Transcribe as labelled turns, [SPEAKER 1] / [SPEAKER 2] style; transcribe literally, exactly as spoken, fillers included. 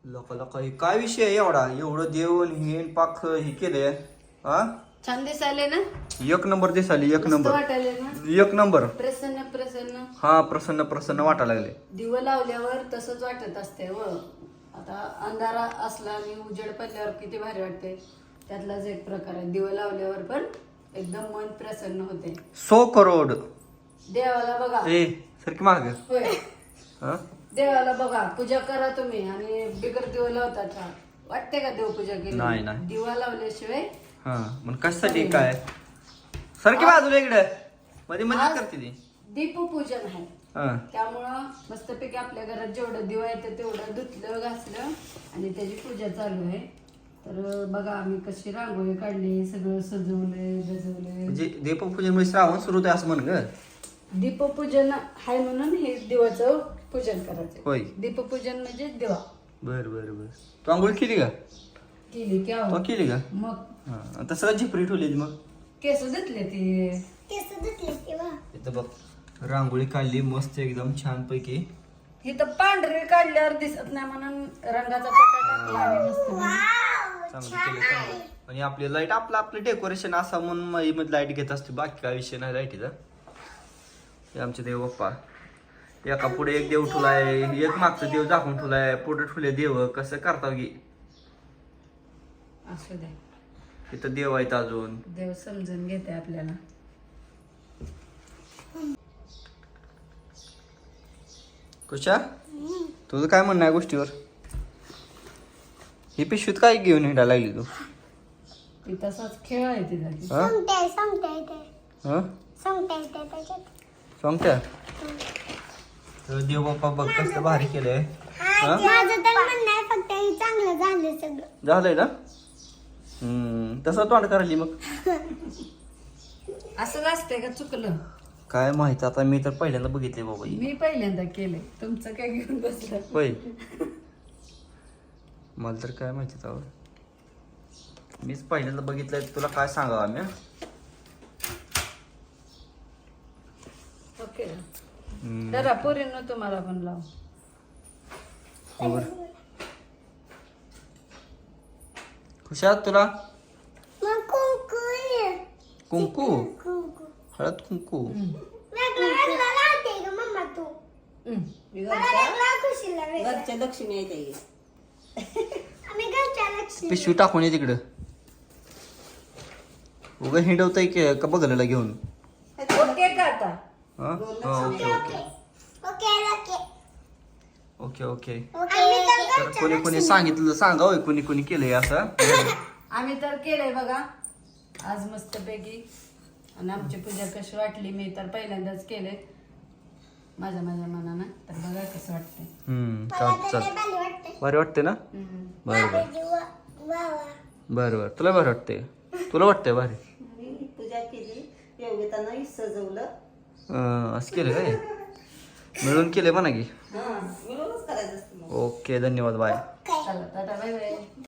[SPEAKER 1] लोक लोक काय विषय आहे एवढा एवढं देऊन हे पाक हे केलंय हा
[SPEAKER 2] छान दिसायले ना.
[SPEAKER 1] एक नंबर दिसाली एक
[SPEAKER 2] मस्त
[SPEAKER 1] नंबर
[SPEAKER 2] वाटायले ना.
[SPEAKER 1] एक नंबर
[SPEAKER 2] प्रसन्न प्रसन्न.
[SPEAKER 1] हा प्रसन्न प्रसन्न वाटायला लागले.
[SPEAKER 2] दिवं लावल्यावर तसंच वाटत असते व आता अंधारा असला आणि उजेड पडल्यावर किती भारी वाटते. त्यातलाच एक प्रकार आहे. दिवं लावल्यावर पण एकदम मन प्रसन्न होते.
[SPEAKER 1] सो करोड
[SPEAKER 2] देवाला बघा.
[SPEAKER 1] ए सारखी माग
[SPEAKER 2] होय
[SPEAKER 1] हा
[SPEAKER 2] देवाला बघा पूजा करा तुम्ही आणि बिगर दिवा लावतात का वाटते का देवपूजा केली?
[SPEAKER 1] नाही, नाही.
[SPEAKER 2] दिवा लावल्याशिवाय
[SPEAKER 1] हा मग कशासाठी काय सारखी बाजूला इकडे मध्ये मध्ये करते ती
[SPEAKER 2] दीपपूजन आहे.
[SPEAKER 1] हा
[SPEAKER 2] त्यामुळं मस्तपैकी आपल्या घरात जेवढं दिवा येतं तेवढं धुतलं घासलं आणि त्याची पूजा चालू आहे. तर बघा आम्ही कशी रांगोळी काढली, सगळं सजवलंय गजवलंय.
[SPEAKER 1] म्हणजे दीपपूजन म्हणजे श्रावण सुरू होते असं म्हण ग.
[SPEAKER 2] दीपपूजन आहे म्हणून हे दिवाचं पूजन करायचं.
[SPEAKER 1] होय
[SPEAKER 2] दीपपूजन म्हणजे दिवा.
[SPEAKER 1] बर बर बर तू आंघोळ केली का?
[SPEAKER 2] केली की
[SPEAKER 1] तू
[SPEAKER 2] आहो.
[SPEAKER 1] केली का?
[SPEAKER 2] मग
[SPEAKER 1] हा तसं झिपरी ठेवली मग
[SPEAKER 2] केस धुतले ते
[SPEAKER 3] केस धुतले तेव्हा
[SPEAKER 1] इथं बघ रांगोळी काढली मस्त एकदम छान पैकी.
[SPEAKER 2] ही तर पांढरी काढल्यावर दिसत नाही म्हणून रंगाचा पट्टा टाकला आम्ही मस्त.
[SPEAKER 1] चांगलं केलं चांगलं. आणि आपली लाईट आपलं आपलं डेकोरेशन असा म्हणून मध्ये लाईट घेत असते बाकी काय विषय नाही लाईटीचा. हे आमचे देव बाप्पा एका पुढे एक देव ठुलाय एक मागचं देव झाकून ठुलाय पुढे ठुले देव कसं करता गी
[SPEAKER 2] असू दे
[SPEAKER 1] इथं देव आहेत अजून.
[SPEAKER 2] देव समजून घेते आपल्याला.
[SPEAKER 1] कुशा तुझं काय म्हणणं आहे गोष्टीवर? ही पिशवीत काय घेऊन हिंडायला लागली तू?
[SPEAKER 2] ती तसाच खेळ आहे तिचा.
[SPEAKER 1] हा
[SPEAKER 3] सांगते सांगते येते
[SPEAKER 1] हा
[SPEAKER 3] सांगते येते त्याच्यात
[SPEAKER 1] सांगत्या तर देव बाप्पा बघ कसं भारी केलंय. हा
[SPEAKER 3] माझं तर म्हणणं आहे फक्त हे चांगलं झालं सगळं.
[SPEAKER 1] झालंय ना. हम्म तसं तोंड करायली मग
[SPEAKER 2] असंच असतंय का चुकलं?
[SPEAKER 1] काय माहित आता मी तर पहिल्यांदा बघितले बाबा ही.
[SPEAKER 2] मी पहिल्यांदा केलंय तुमचं काय घेऊन बसलं.
[SPEAKER 1] होय मला तर काय माहिती त्यावर मीच पहिल्यांदा बघितलंय. तुला काय सांगावं आम्ही हा?
[SPEAKER 2] ओके
[SPEAKER 1] हम्म.
[SPEAKER 2] जरा पोरींनो तुम्हाला पण लाव.
[SPEAKER 1] हो बरं. खुशाल तुला
[SPEAKER 3] मग कुंकू ये.
[SPEAKER 1] कुंकू
[SPEAKER 3] कुंकू
[SPEAKER 1] हळद कुंकू
[SPEAKER 3] वेगळं वेगळं लावते ग मम्मा तू. मला वेगळं खुशीला वेगळं.
[SPEAKER 4] घरच्या लक्ष्मी आहे ताई.
[SPEAKER 3] आम्ही घरच्या लक्ष्मी.
[SPEAKER 1] पिशवी टाकून ये तिकडं. उगा हिंडवताय की का बघायला घेऊन?
[SPEAKER 2] ओके का आता?
[SPEAKER 1] हा हा, okay okay
[SPEAKER 3] okay okay
[SPEAKER 1] okay okay
[SPEAKER 3] आम्ही तर
[SPEAKER 1] तर कोणी कोणी सांगितलं सांगा होय कोणी कोणी केलंय असं.
[SPEAKER 2] आम्ही तर केलंय बघा आज मस्तपैकी. आणि आमची पूजा कशी वाटली मी तर पहिल्यांदाच केले माझ्या माझ्या मनानं. तर बघा कसं वाटतंय.
[SPEAKER 1] हम्म
[SPEAKER 3] मला
[SPEAKER 1] चाल
[SPEAKER 3] तर
[SPEAKER 1] चाल
[SPEAKER 3] लय भारी वाटते.
[SPEAKER 1] भारी वाटते ना.
[SPEAKER 2] हम्म.
[SPEAKER 1] बरं बरं
[SPEAKER 3] जीवा वा वा.
[SPEAKER 1] बरं बरं तुला भारी वाटते तुला वाटतंय भारी.
[SPEAKER 4] मी पूजा केली योगितानं सजवलं.
[SPEAKER 1] अं, असं केलं काय मिळून केलंय म्हणा की.
[SPEAKER 4] हा मिळूनच करायचं असतं मग.
[SPEAKER 1] ओके धन्यवाद बाय.
[SPEAKER 2] चला टाटा बाय बाय.